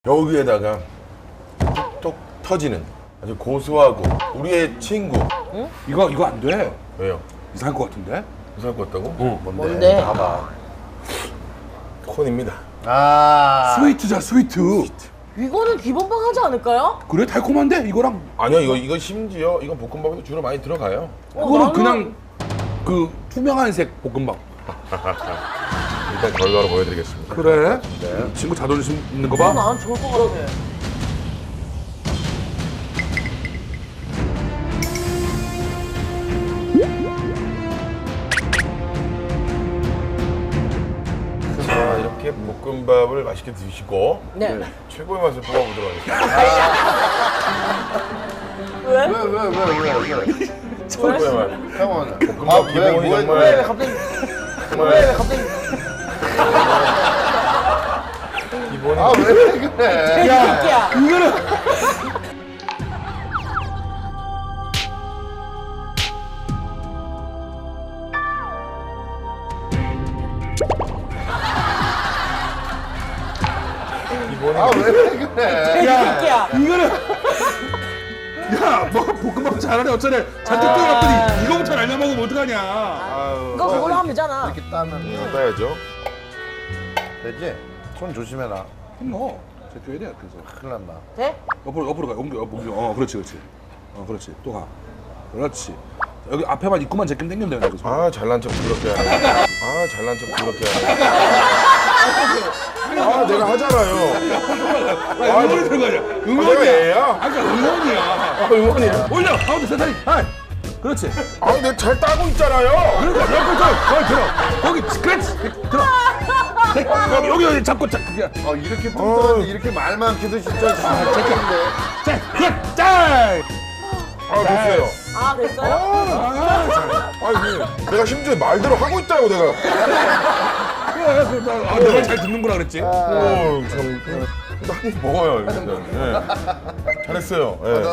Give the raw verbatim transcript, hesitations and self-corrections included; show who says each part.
Speaker 1: 여기에다가 톡톡 터지는 아주 고소하고 우리의 친구.
Speaker 2: 이거 이거 안 돼.
Speaker 1: 왜요?
Speaker 2: 이상할 것 같은데?
Speaker 1: 이상할 것 같다고?
Speaker 2: 어.
Speaker 3: 뭔데?
Speaker 4: 봐봐.
Speaker 1: 콘입니다.
Speaker 4: 아.
Speaker 2: 스위트자 스위트.
Speaker 3: 이거는 기본빵 하지 않을까요?
Speaker 2: 그래 달콤한데 이거랑
Speaker 1: 아니요, 이거 이거 심지어 이건 볶음밥에도 주로 많이 들어가요.
Speaker 3: 어,
Speaker 2: 그거는
Speaker 3: 나는-
Speaker 2: 그냥 그 투명한색 볶음밥.
Speaker 1: 일단 결과로 보여드리겠습니다.
Speaker 2: 그래? 네. 친구 자존심 있는 거
Speaker 3: 이거
Speaker 2: 봐.
Speaker 3: 나는 좋을 것 같아.
Speaker 1: 자, 이렇게 볶음밥을 맛있게 드시고
Speaker 3: 네.
Speaker 1: 최고의 맛을 뽑아보도록 하겠습니다.
Speaker 3: 왜?
Speaker 4: 왜, 왜, 왜, 왜, 왜?
Speaker 1: 최고의 맛.
Speaker 4: 형은.
Speaker 1: 볶음밥
Speaker 4: 아, 왜,
Speaker 1: 기본이
Speaker 4: 뭐,
Speaker 1: 정말
Speaker 3: 왜, 왜 갑자기?
Speaker 1: 정말
Speaker 3: 왜, 왜 갑자기?
Speaker 1: 기본이
Speaker 4: 아, 왜 그래?
Speaker 3: 야, 새끼야.
Speaker 2: 이거는
Speaker 1: 기본이
Speaker 4: 아, 왜 그래?
Speaker 3: 새끼야.
Speaker 2: 이거는 야, 뭐 볶음밥 잘하네 어쩌네. 잔뜩
Speaker 3: 아.
Speaker 2: 끓여놨더니 이거부터 날려 먹으면 어떡하냐.
Speaker 4: 아유.
Speaker 3: 이거 그걸로 하면 되잖아.
Speaker 4: 이렇게 따면
Speaker 1: 음, 따야죠.
Speaker 4: 되지? 손 조심해라.
Speaker 2: 뭐 제껴야 돼. 그래서
Speaker 4: 큰일 난다.
Speaker 3: 돼?
Speaker 2: 옆으로 옆으로 가. 옮겨 옮겨. 어, 그렇지 그렇지. 어, 그렇지. 또 가. 그렇지. 여기 앞에만 입구만 제끼면 당기면 되는데 그래서.
Speaker 1: 아, 잘난 척 그렇게 하네. 아, 잘난 척 그렇게 하네. 아, 내가 하잖아요.
Speaker 2: 아, 응원이 들어가냐?
Speaker 1: 아, 내가
Speaker 2: 응원이야.
Speaker 1: 얘야?
Speaker 2: 아까 응원이야.
Speaker 1: 아, 응원이야.
Speaker 2: 올려. 가운데 세타리. 하이. 그렇지.
Speaker 1: 아, 내가 잘 따고 있잖아요.
Speaker 2: 그러니까 옆에 저 거기 들어. 거기 그렇지. 들어. 여기 여기 여기 잡고 자. 그냥.
Speaker 4: 어, 이렇게 뚱뚱한데 이렇게 말 많기도 진짜 진짜인데.
Speaker 2: 자, 그래. 짤.
Speaker 1: 아, 됐어요.
Speaker 3: 아, 됐어요?
Speaker 2: 아, 잘.
Speaker 1: 아니, 내가 심지어 말대로 하고 있다고 내가.
Speaker 2: 그래, 그래. 아, 내가 잘 듣는구나 그랬지.
Speaker 1: 오, 참. 한입 먹어요, 일단. 예. 잘했어요. 예.